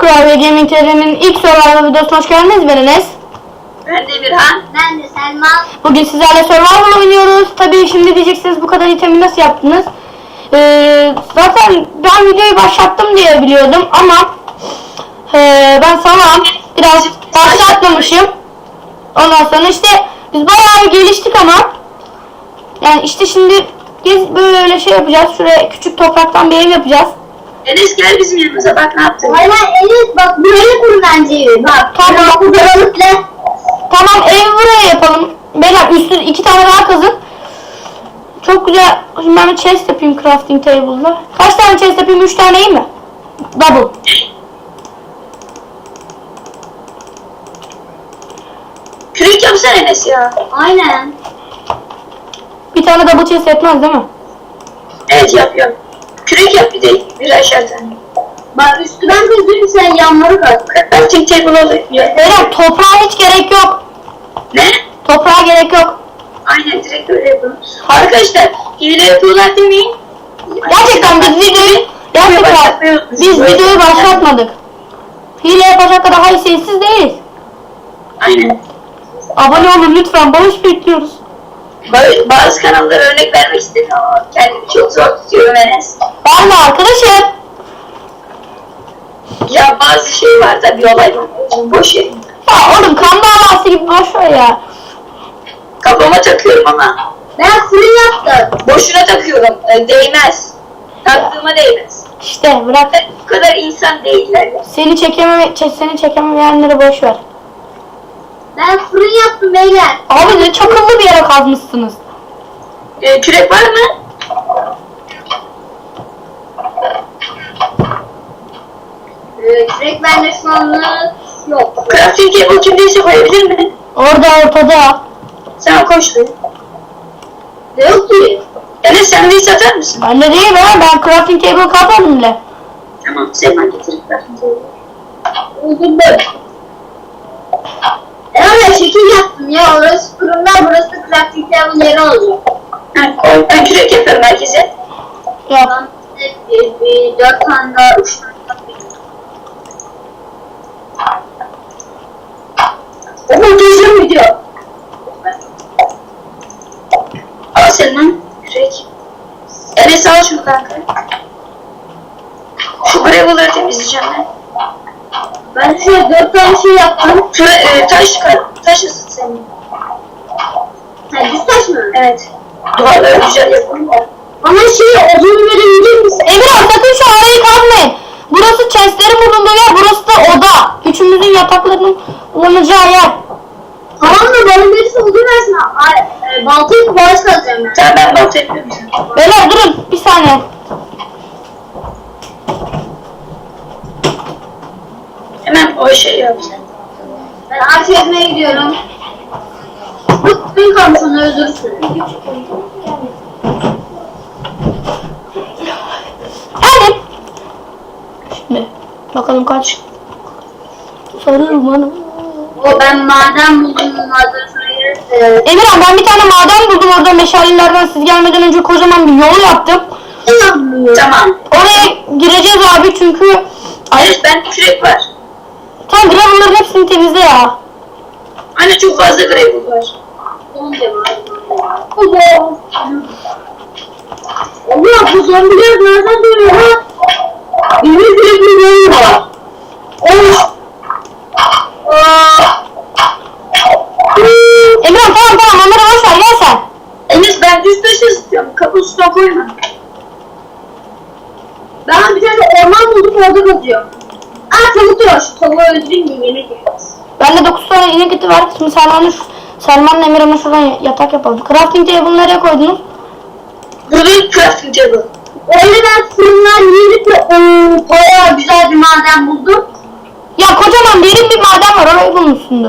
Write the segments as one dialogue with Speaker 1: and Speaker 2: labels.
Speaker 1: Kurabiye Gaming TV'nin ilk survival videosuna hoş geldiniz. Ben Enes.
Speaker 2: Ben de Birhan.
Speaker 3: Ben de Selma.
Speaker 1: Bugün sizlerle survival oynuyoruz. Tabii şimdi diyeceksiniz bu kadar itemi nasıl yaptınız? Zaten ben videoyu başlattım diye biliyordum ama ben sana biraz başlatmamışım. Ondan sonra işte biz bayağı geliştik ama yani işte şimdi böyle şey yapacağız. Şuraya küçük topraktan bir ev yapacağız.
Speaker 2: Enes gel bizim yanımıza, bak ne yaptın.
Speaker 3: Aynen Enes, bak burayı kur bence evi. Bak.
Speaker 1: Tamam.
Speaker 3: Bu balıkla.
Speaker 1: Tamam, ev buraya yapalım. Beyler üstü 2 tane daha kazın. Çok güzel. Şimdi ben bir chest yapayım crafting table'da. Kaç tane chest yapayım? 3 tane iyi mi? Double.
Speaker 2: Kürek yapsana Enes ya.
Speaker 3: Aynen.
Speaker 1: Bir tane double chest yetmez değil mi?
Speaker 2: Evet yapıyorum. Kürek yap bir de bir aşağıdan.
Speaker 3: Bak üstünden kazıyorum, sen yanları kaz.
Speaker 2: Crafting table oluyor.
Speaker 1: Beyler toprağa hiç gerek yok.
Speaker 2: Ne?
Speaker 1: Toprağa gerek yok.
Speaker 2: Aynen direkt öyle yapalım. Arkadaşlar hile yapıyorlar demeyin.
Speaker 1: Gerçekten biz videoyu başlatmadık. Hile yapacak kadar haysiyetsiz değiliz.
Speaker 2: Aynen.
Speaker 1: Abone olun lütfen. Bağış bekliyoruz.
Speaker 2: Bazı kanallara örnek vermek istedim ama kendimi çok zor tutuyorum Enes.
Speaker 1: Ben de arkadaşım.
Speaker 2: Ya bazı şey var da bir olay var. Boş yerim.
Speaker 1: Ya oğlum kan davası gibi boş ver ya.
Speaker 2: Kafama takıyorum ama.
Speaker 3: Ben fırın yaptım.
Speaker 2: Boşuna takıyorum. Değmez. Taktığıma değmez.
Speaker 1: İşte bırak.
Speaker 2: Bu kadar insan değiller ya.
Speaker 1: Seni çekemeyenleri boş ver.
Speaker 3: Ben fırın yaptım beyler.
Speaker 1: Abi ne çakıllı bir yere kazmışsınız.
Speaker 2: Kürek var mı?
Speaker 3: Kürek bende şu anlık yok.
Speaker 2: Crafting table kimdeyse koyabilir mi?
Speaker 1: Orada ortada.
Speaker 2: Sen koş be.
Speaker 3: Ne yok ki?
Speaker 2: Enes sen de satar mısın?
Speaker 1: Bende değil be, ben crafting table katmadım bile.
Speaker 2: Tamam Selman getirip crafting table.
Speaker 3: Uzun böyle. Ben şekil yaptım ya. Orası fırınlar, burası crafting table yeri olacak.
Speaker 2: Ha, koy. Ben kürek yapıyorum herkese.
Speaker 1: Yap.
Speaker 3: Ben bir 4 tane daha, 3 tane daha.
Speaker 2: O muhteşem video. Al Selman. Kürek. Enes al şunu kanka. Şu gravel'ları temizleyeceğim ben.
Speaker 3: Ben şöyle 4 tane şey yaptım.
Speaker 2: Taş ısıt senin.
Speaker 3: Ha, düz taş mı?
Speaker 2: Evet. Duvarları güzel yapalım da.
Speaker 3: Bana şey odun verebilir misin?
Speaker 1: Emirhan sakın şu arayı kazmayın. Burası chestlerin bulunduğu yer, burası da oda. Üçümüzün yataklarının bulunacağı yer.
Speaker 3: Tamam da bana birisi odun versin. Baltayı kumaş kazacağım ben.
Speaker 2: Tamam ben balta yapıyorum sana.
Speaker 1: Beyler durun bir saniye.
Speaker 2: Hemen o şeyi yap sen.
Speaker 3: Ben ağaç ezmeye gidiyorum. Bu kalmış, onu öldürürsün.
Speaker 1: Hadi. Şimdi bakalım kaç. Sarıyorum bana.
Speaker 3: O ben maden buldum, maden sonra gelirse.
Speaker 1: Emirhan ben bir tane maden buldum orada meşalelerden, siz gelmeden önce kocaman bir yol yaptım.
Speaker 2: Tamam.
Speaker 1: Oraya gireceğiz abi çünkü
Speaker 2: Evet bende kürek var.
Speaker 1: tam gravel'ların hepsini temizle ya.
Speaker 2: Anne çok fazla gravel var.
Speaker 3: Allah, bu zombiler nereden dönüyor ha? Benim sürekli böyle var.
Speaker 1: Emirhan tamam onları boş ver, gel sen.
Speaker 2: Enes ben düz taşı istiyorum. Kapısına koyma.
Speaker 3: Ben bir tane orman buldum, orada kazıyorum. Tavuk diyor, şu tavuğu öldüreyim de yemek yaparız.
Speaker 1: Bende 9 tane inek eti var. Şimdi Selman'la Emirhan'la şuradan yatak yapalım. Crafting table'ı nereye koydunuz?
Speaker 2: Burada bir crafting table.
Speaker 3: Öyle ben fırınlar yiyip de bayağı güzel bir maden buldum.
Speaker 1: Ya kocaman derin bir maden var, orayı bulmuşsundur.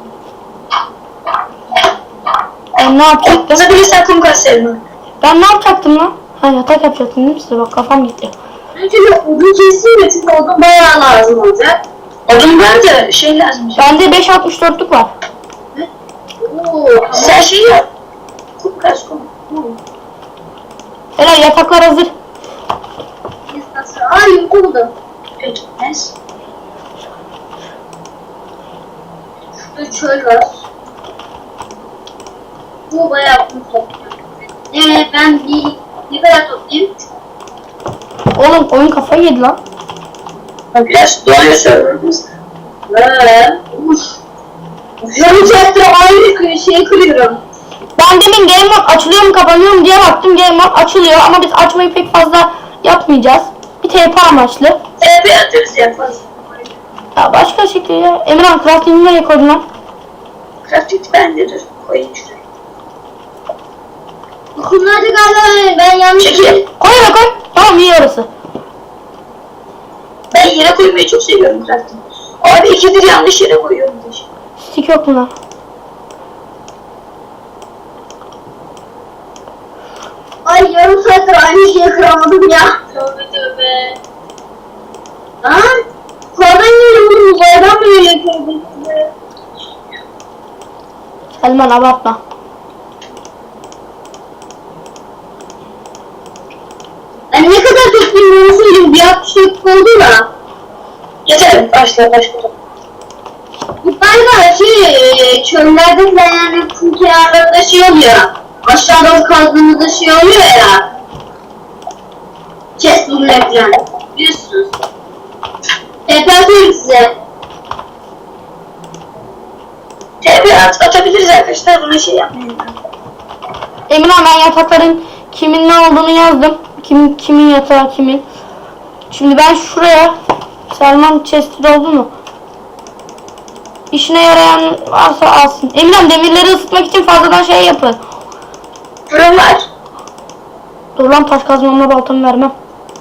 Speaker 1: Ben ne yapacaktım?
Speaker 2: Bana bir sen kum kaz Selman.
Speaker 1: Ben ne yapacaktım lan? Ha yatak yapacaktım değil mi size? Bak kafam gitti.
Speaker 3: Ben şöyle odun keseyim de, çünkü odun bayağı lazım olacak.
Speaker 2: Odun var da şey lazım.
Speaker 1: Bende 5.64'lük var.
Speaker 2: Sen şey yap. Kum kaz kum.
Speaker 1: Helal, yataklar hazır.
Speaker 3: Yumurta buldum.
Speaker 2: Peki Enes.
Speaker 3: Burada çöl var. Bu bayağı kum topluyor. Ben bir kadar toplayayım.
Speaker 1: Oğlum oyun kafayı yedi lan.
Speaker 2: Biraz dolayı serverımız.
Speaker 3: Uff. Canı çekti aynı şeyi kırıyorum.
Speaker 1: Ben demin game mode açılıyor mu kapanıyor mu diye baktım. Game mode açılıyor ama biz açmayı pek fazla yapmayacağız. Bir TP amaçlı.
Speaker 2: TP atıyoruz yaparız.
Speaker 1: Ya başka şekilde. Emirhan crafting'i nereye koydun lan?
Speaker 2: Crafting bendedir. Koyayım şuraya.
Speaker 3: Kumlarda galiba ben yanlış
Speaker 2: Çekil.
Speaker 1: Koy oraya koy. Tamam iyi orası.
Speaker 2: Ben yere koymayı çok seviyorum crafting. Abi ikidir yanlış yere koyuyorum.
Speaker 1: Stick yok buna.
Speaker 3: Ay yarım saattir aynı şeyi kıramadım ya.
Speaker 2: Tövbe tövbe.
Speaker 3: Ha? Yukarıdan geliyor bunu uzaydan mı geliyor?
Speaker 1: Selman abartma.
Speaker 3: Ben ne kadar toplayayım onu söyleyeyim. Bir 60 dakika oldu da.
Speaker 2: Yeter. Başla.
Speaker 3: Bu galiba çöllerde falan yani kum kenarlarında şey oluyor. Aşağıdan kazdığımızda şey oluyor ya. Chest bulmaya falan. Biliyorsunuz. Atıyorum size.
Speaker 2: TP atabiliriz arkadaşlar. Buna şey yapmayın.
Speaker 1: Emirhan ben yatakların kimin ne olduğunu yazdım. Kimin yatağı kimin. Şimdi ben şuraya Selman chest'i doldu mu? İşine yarayan varsa alsın. Emirhan demirleri ısıtmak için fazladan şey yapın.
Speaker 2: Fırın var.
Speaker 1: Dur lan taş kazmamla baltamı vermem.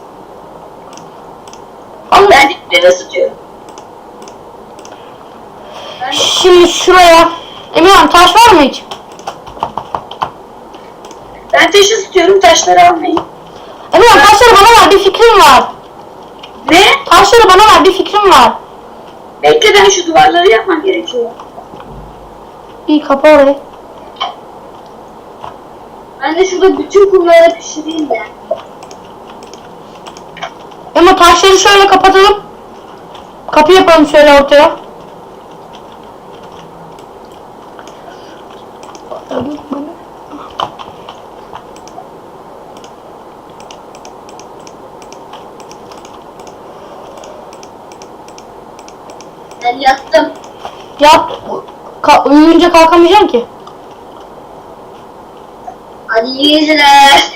Speaker 1: Allah.
Speaker 2: Ben dipleri ısıtıyorum.
Speaker 1: Şimdi şuraya. Emirhan taş var mı hiç?
Speaker 2: Ben taş ısıtıyorum. Taşları almayın.
Speaker 1: Emirhan taşları bana ver bir fikrim var.
Speaker 2: Ne?
Speaker 1: Taşları bana ver bir fikrim var.
Speaker 2: Bekle ben şu duvarları yapmam gerekiyor.
Speaker 1: İyi kapa orayı.
Speaker 3: Ben de şurada bütün kumları pişireyim de.
Speaker 1: Ama taşları şöyle kapatalım. Kapı yapalım şöyle ortaya.
Speaker 3: Ben yattım.
Speaker 1: Yat. Uyuyunca kalkamayacağım ki.
Speaker 3: Hadi iyi geceler.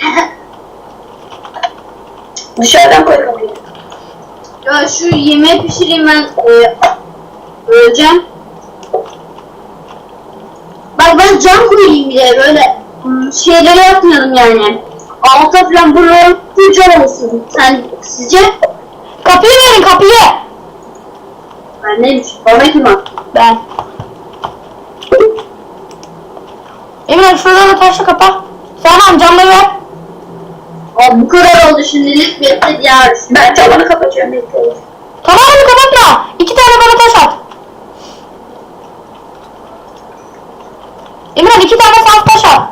Speaker 2: Dışarıdan koyalım.
Speaker 3: Ya şu yemeği pişireyim ben. Öleceğim. Bak ben cam koyayım bir de böyle şeyleri yapmayalım yani. Alta falan buraları full olsun. Sen sizce?
Speaker 1: Kapıyı verin kapıyı.
Speaker 3: Ben neymiş? Bana kim attı?
Speaker 1: Ben. Emirhan şuradan da taşla kapa. Selman camları ver.
Speaker 3: Abi bu kadar oldu şimdilik bekle diğer.
Speaker 2: Ben tavanı kapatıyorum. Bekle.
Speaker 1: Tamamını kapatma. 2 tane bana taş at. Emirhan 2 tane saf taş at.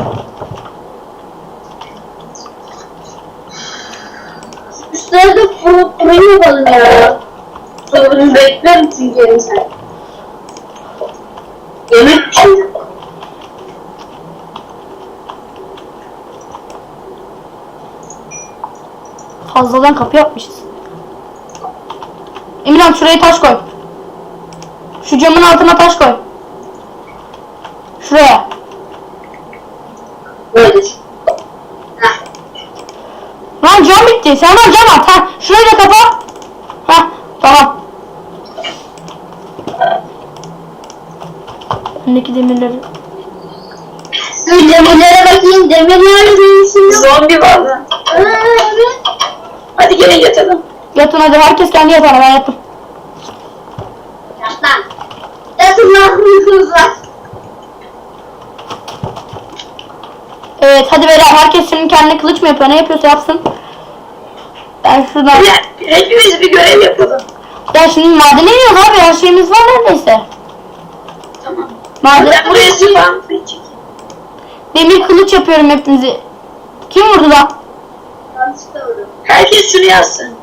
Speaker 3: Üstleri de fırın yapalım ya. Sonra beklerim çünkü yarım saat. Yemek pişireceğim.
Speaker 1: Fazladan kapı yapmışız. Emirhan şuraya taş koy. Şu camın altına taş koy. Şuraya.
Speaker 3: Böyledir. Heh.
Speaker 1: Lan cam bitti. Selman cam at. Ha, şurayı da kapa. Ha, tamam. Öndeki demirleri.
Speaker 3: Dur demirlere bakayım. Demirler değilsin.
Speaker 2: Zombi var lan.
Speaker 3: Evet.
Speaker 2: Hadi gelin yatalım.
Speaker 1: Yatın hadi herkes kendi yatağına ben yattım.
Speaker 3: Yatlan. Yatın lan uykunuz var.
Speaker 1: Evet hadi beyler herkes şimdi kendine kılıç mı yapıyor ne yapıyorsa yapsın. Ben şuradan.
Speaker 2: Hepimiz bir görev yapalım.
Speaker 1: Ya şimdi madene iniyoruz abi her şeyimiz var neredeyse.
Speaker 2: Tamam.
Speaker 1: Maden.
Speaker 2: Ben buraya spam çekeyim.
Speaker 1: Demir kılıç yapıyorum hepinizi. Kim vurdu lan?
Speaker 3: Yanlışlıkla vurdum.
Speaker 2: Herkes şunu yazsın.